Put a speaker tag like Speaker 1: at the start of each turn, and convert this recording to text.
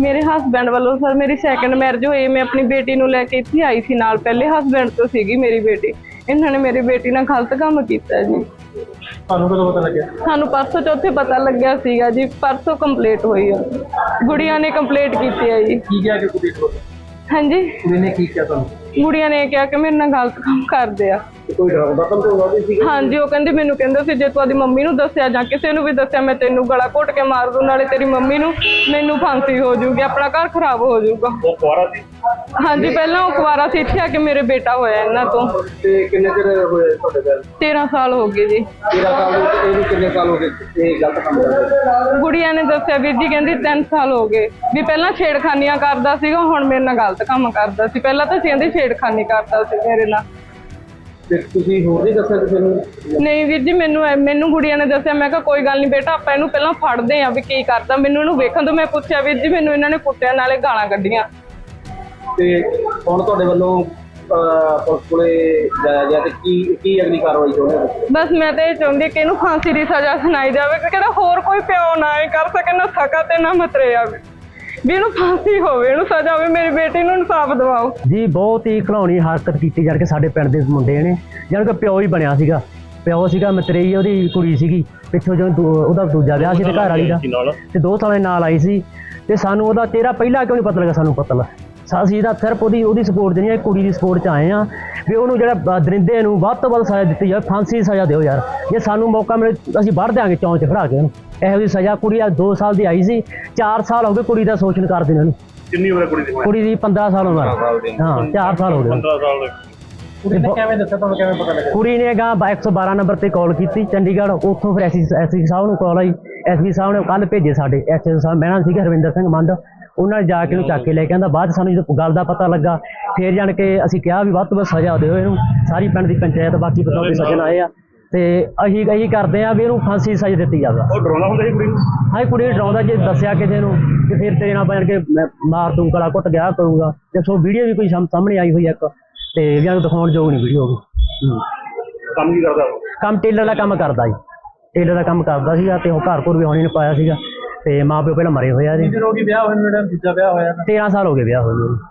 Speaker 1: ਮੇਰੇ ਹਸਬੈਂਡ ਵੱਲੋਂ ਸਰ ਮੇਰੀ ਸੈਕੰਡ ਮੈਰਿਜ ਹੋਈ। ਮੈਂ ਆਪਣੀ ਬੇਟੀ ਨੂੰ ਲੈ ਕੇ ਇੱਥੇ ਆਈ ਸੀ ਨਾਲ, ਪਹਿਲੇ ਹਸਬੈਂਡ ਤੋਂ ਸੀਗੀ ਮੇਰੀ ਬੇਟੀ। ਇਹਨਾਂ ਨੇ ਮੇਰੀ ਬੇਟੀ ਨਾਲ ਗਲਤ ਕੰਮ ਕੀਤਾ ਜੀ।
Speaker 2: ਤੁਹਾਨੂੰ ਕਦੋਂ ਪਤਾ ਲੱਗਿਆ?
Speaker 1: ਸਾਨੂੰ ਪਰਸੋਂ ਚੌਥੇ ਪਤਾ ਲੱਗਿਆ ਸੀਗਾ ਜੀ, ਪਰਸੋਂ ਕੰਪਲੀਟ ਹੋਈ ਆ। ਗੁੜੀਆਂ ਨੇ ਕੰਪਲੀਟ ਕੀਤੀ ਹੈ ਜੀ।
Speaker 2: ਕੀ ਕਿਹਾ ਕਿ ਕੁੜੀ ਕੋਲ?
Speaker 1: ਹਾਂਜੀ,
Speaker 2: ਕੁੜੀ ਨੇ ਕੀ ਕਿਹਾ ਤੁਹਾਨੂੰ?
Speaker 1: ਗੁੜੀਆਂ ਨੇ ਕਿਹਾ ਕਿ ਮੇਰੇ ਨਾਲ ਗਲਤ ਕੰਮ ਕਰਦੇ ਆ।
Speaker 2: ਕੋਈ ਡਰਾਉਂਦਾ ਧਮਕਾਉਂਦਾ ਵੀ ਸੀ?
Speaker 1: ਹਾਂਜੀ, ਉਹ ਕਹਿੰਦੇ ਮੈਨੂੰ ਕਹਿੰਦੇ ਸੀ ਜੇ ਤੂੰ ਆਪਣੀ ਮੰਮੀ ਨੂੰ ਦੱਸਿਆ ਜਾਂ ਕਿਸੇ ਨੂੰ ਵੀ ਦੱਸਿਆ ਮੈਂ ਤੈਨੂੰ ਗਲਾ ਘੁੱਟ ਕੇ ਮਾਰ ਦੂੰ, ਨਾਲੇ ਤੇਰੀ ਮੰਮੀ ਨੂੰ ਮੈਨੂੰ ਫਾਂਸੀ ਹੋ ਜਾਊਗੀ, ਆਪਣਾ ਘਰ ਖਰਾਬ ਹੋ ਜਾਊਗਾ।
Speaker 2: ਉਹ ਕੁਆਰਾ ਸੀ?
Speaker 1: ਹਾਂਜੀ, ਪਹਿਲਾਂ ਉਹ ਕੁਆਰਾ ਸੀ, ਇੱਥੇ ਆ ਕੇ ਮੇਰੇ ਬੇਟਾ ਹੋਇਆ ਇਹਨਾਂ ਤੋਂ।
Speaker 2: ਤੇ ਕਿੰਨੇ ਚਿਰ ਹੋਏ ਤੁਹਾਡੇ ਘਰ?
Speaker 1: 13 ਸਾਲ ਹੋ ਗਏ ਜੀ।
Speaker 2: 13 ਸਾਲ ਦੇ ਵਿੱਚ ਇਹਨੂੰ ਕਿੰਨੇ ਸਾਲ ਹੋ ਗਏ ਇਹ ਗਲਤ ਕੰਮ ਕਰਦੇ?
Speaker 1: ਗੁੜੀਆ ਨੇ ਦੱਸਿਆ ਵੀਰ ਜੀ, ਕਹਿੰਦੀ 3 ਸਾਲ ਹੋ ਗਏ ਵੀ ਪਹਿਲਾਂ ਛੇੜਖਾਨੀਆਂ ਕਰਦਾ ਸੀਗਾ, ਹੁਣ ਮੇਰੇ ਨਾਲ ਗਲਤ ਕੰਮ ਕਰਦਾ ਸੀ। ਪਹਿਲਾਂ ਤਾਂ ਕਹਿੰਦੀ ਛੇੜਖਾਨੀ ਕਰਦਾ ਸੀ ਮੇਰੇ ਨਾਲ।
Speaker 2: ਤੇ ਤੁਸੀਂ ਹੋਰ ਨਹੀਂ ਦੱਸਿਆ ਕਿਸੇ ਨੂੰ?
Speaker 1: ਨਹੀਂ ਵੀਰ ਜੀ, ਮੈਨੂੰ ਗੁੜੀਆ ਨੇ ਦੱਸਿਆ। ਮੈਂ ਕਿਹਾ ਕੋਈ ਗੱਲ ਨਹੀਂ ਬੇਟਾ, ਆਪਾਂ ਇਹਨੂੰ ਪਹਿਲਾਂ ਫੜਦੇ ਆ ਵੀ ਕੀ ਕਰਦਾ। ਮੈਨੂੰ ਇਹਨੂੰ ਵੇਖਣ ਤੋਂ ਮੈਂ ਪੁੱਛਿਆ ਵੀਰ ਜੀ, ਮੈਨੂੰ ਇਹਨਾਂ ਨੇ ਕੁੱਟਿਆ ਨਾਲੇ ਗਾਲਾਂ ਕੱਢੀਆਂ।
Speaker 2: ਤੇ ਹੁਣ ਤੁਹਾਡੇ ਵੱਲੋਂ ਪੁਲਿਸ ਕੋਲੇ ਜਾਇਆ ਗਿਆ ਤੇ ਕੀ ਅਗਲੀ ਕਾਰਵਾਈ ਚਾਹੁੰਦੇ ਹੋ?
Speaker 1: ਬਸ ਮੈਂ ਤਾਂ ਇਹ ਚਾਹੁੰਦੀ ਕਿ ਇਹਨੂੰ ਫਾਂਸੀ ਦੀ ਸਜ਼ਾ ਸੁਣਾਈ ਜਾਵੇ ਕਿ ਕਿਹੜਾ ਹੋਰ ਕੋਈ ਪਿਓ ਨਾ ਇਹ ਕਰ ਸਕੇ, ਨਾ ਸਕਾ ਤੇ ਨਾ ਮਤਰੇ ਆਵੇ, ਵੀ ਇਹਨੂੰ ਫਾਂਸੀ ਹੋਵੇ, ਇਹਨੂੰ ਸਜ਼ਾ ਹੋਵੇ। ਮੇਰੀ ਬੇਟੀ ਨੂੰ ਇਨਸਾਫ ਦਿਵਾਓ
Speaker 3: ਜੀ। ਬਹੁਤ ਹੀ ਘਿਨਾਉਣੀ ਹਰਕਤ ਕੀਤੀ ਜਾਣ ਕੇ ਸਾਡੇ ਪਿੰਡ ਦੇ ਮੁੰਡੇ ਨੇ, ਜਾਣ ਕੇ ਪਿਓ ਹੀ ਬਣਿਆ ਸੀਗਾ। ਪਿਓ ਸੀਗਾ ਮਤਰੇਈ, ਉਹਦੀ ਕੁੜੀ ਸੀਗੀ ਪਿੱਛੋਂ ਜਦੋਂ ਉਹਦਾ ਦੂਜਾ ਵਿਆਹ ਸੀ ਤੇ ਘਰ ਵਾਲੀ ਦਾ, ਤੇ 2 ਸਾਲਾਂ ਨਾਲ ਆਈ ਸੀ। ਤੇ ਸਾਨੂੰ ਉਹਦਾ ਚਿਹਰਾ ਪਹਿਲਾਂ ਕਿਉਂ ਨਹੀਂ ਪਤਾ ਲੱਗਾ? ਸਾਨੂੰ ਪਤਾ ਲੱਗਾ ਅਸੀਂ ਤਾਂ ਸਿਰਫ ਉਹਦੀ ਸਪੋਰਟ ਨਹੀਂ, ਕੁੜੀ ਦੀ ਸਪੋਰਟ 'ਚ ਆਏ ਹਾਂ ਵੀ ਉਹਨੂੰ ਜਿਹੜਾ ਦਰਿੰਦੇ ਨੂੰ ਵੱਧ ਤੋਂ ਵੱਧ ਸਜ਼ਾ ਦਿੱਤੀ ਜਾਵੇ, ਫਾਂਸੀ ਦੀ ਸਜ਼ਾ ਦਿਓ ਯਾਰ। ਜੇ ਸਾਨੂੰ ਮੌਕਾ ਮਿਲੇ ਅਸੀਂ ਵੱਢ ਦਿਆਂਗੇ ਚੌਂਚ 'ਚ ਖੜਾ ਕੇ ਉਹਨੂੰ। ਇਹੋ ਜਿਹੀ ਸਜ਼ਾ ਕੁੜੀ 2 ਸਾਲ ਦੀ ਆਈ ਸੀ, 4 ਸਾਲ ਹੋ ਗਏ ਕੁੜੀ ਦਾ ਸ਼ੋਸ਼ਣ ਕਰਦੇ ਨੇ ਉਹਨੂੰ।
Speaker 2: ਕਿੰਨੀ ਉਮਰ ਹੈ ਕੁੜੀ ਦੀ?
Speaker 3: ਕੁੜੀ ਦੀ 15 ਸਾਲ ਉਮਰ। ਹਾਂ, 4 ਸਾਲ ਹੋ ਗਏ।
Speaker 2: 15 ਸਾਲ ਦੇ। ਕੁੜੀ ਨੇ ਕਿਵੇਂ ਦੱਸਿਆ ਤੁਹਾਨੂੰ? ਕਿਵੇਂ ਪਤਾ ਲੱਗਿਆ?
Speaker 3: ਕੁੜੀ ਨੇ 112 ਨੰਬਰ ਤੇ ਕਾਲ ਕੀਤੀ ਚੰਡੀਗੜ੍ਹ, ਉੱਥੋਂ ਫਿਰ ਐਸਪੀ ਸਾਹਿਬ ਨੂੰ ਕਾਲ ਆਈ। ਐਸਪੀ ਸਾਹਿਬ ਨੇ ਕੱਲ੍ਹ ਭੇਜੇ ਸਾਡੇ ਐਸਐਚਓ ਸਾਹਿਬ ਬਹਿਣਾ ਸੀਗਾ ਹਰਵਿੰਦਰ ਸਿੰਘ ਮੰਡ, ਉਹਨਾਂ ਨੇ ਜਾ ਕੇ ਉਹਨੂੰ ਚੱਕ ਕੇ ਲੈ ਕੇ ਆਂਦਾ। ਬਾਅਦ ਸਾਨੂੰ ਜਦੋਂ ਗੱਲ ਦਾ ਪਤਾ ਲੱਗਾ ਫਿਰ ਜਾਣ ਕੇ ਅਸੀਂ ਕਿਹਾ ਵੀ ਵੱਧ ਤੋਂ ਵੱਧ ਸਜ਼ਾ ਦਿਓ ਇਹਨੂੰ। ਸਾਰੀ ਪਿੰਡ ਦੀ ਪੰਚਾਇਤ ਬਾਕੀ ਬਤੌਰ ਸੱਜਣ ਆਏ ਆ ਤੇ ਅਸੀਂ ਕਰਦੇ ਆ ਵੀ ਇਹਨੂੰ ਫਾਂਸੀ ਦੀ ਸਜ਼ਾ ਦਿੱਤੀ ਜਾਵੇ।
Speaker 2: ਉਹ ਡਰਾਉਂਦਾ ਹੁੰਦਾ ਸੀ ਕੁੜੀ ਨੂੰ?
Speaker 3: ਹਾਂ, ਕੁੜੀ ਡਰਾਉਂਦਾ, ਜੇ ਦੱਸਿਆ ਕਿਸੇ ਨੂੰ ਕਿ ਫਿਰ ਤੇਰੇ ਨਾਲ ਬਣ ਕੇ ਮੈਂ ਮਾਰ ਦੂੰ, ਗਲਾ ਘੁੱਟ ਗਿਆ ਕਰੂੰਗਾ। ਤੇ ਸੋ ਵੀਡੀਓ ਵੀ ਕੋਈ ਸਾਹਮਣੇ ਆਈ ਹੋਈ ਇੱਕ, ਤੇ ਇਹਨਾਂ ਨੂੰ ਦਿਖਾਉਣ ਯੋਗ ਨਹੀਂ ਵੀਡੀਓ ਹੋ ਗਈ।
Speaker 2: ਕੰਮ ਕੀ ਕਰਦਾ?
Speaker 3: ਕੰਮ ਟੇਲਰ ਦਾ ਕੰਮ ਕਰਦਾ ਜੀ, ਟੇਲਰ ਦਾ ਕੰਮ ਕਰਦਾ ਸੀਗਾ। ਤੇ ਉਹ ਘਰ ਘਰ ਵੀ ਹੋਣੀ ਨੇ ਪਾਇਆ ਸੀਗਾ, ਤੇ ਮਾਂ ਪਿਓ ਪਹਿਲਾਂ ਮਰੇ ਹੋਏ ਆ ਜੀ।
Speaker 2: ਕਿੰਨੇ ਰੋਗੀ ਵਿਆਹ ਹੋਏ ਨੂੰ? ਜਿਹੜਾ ਦੂਜਾ ਵਿਆਹ ਹੋਇਆ
Speaker 3: 13 ਸਾਲ ਹੋ ਗਏ ਵਿਆਹ ਹੋਏ ਨੂੰ।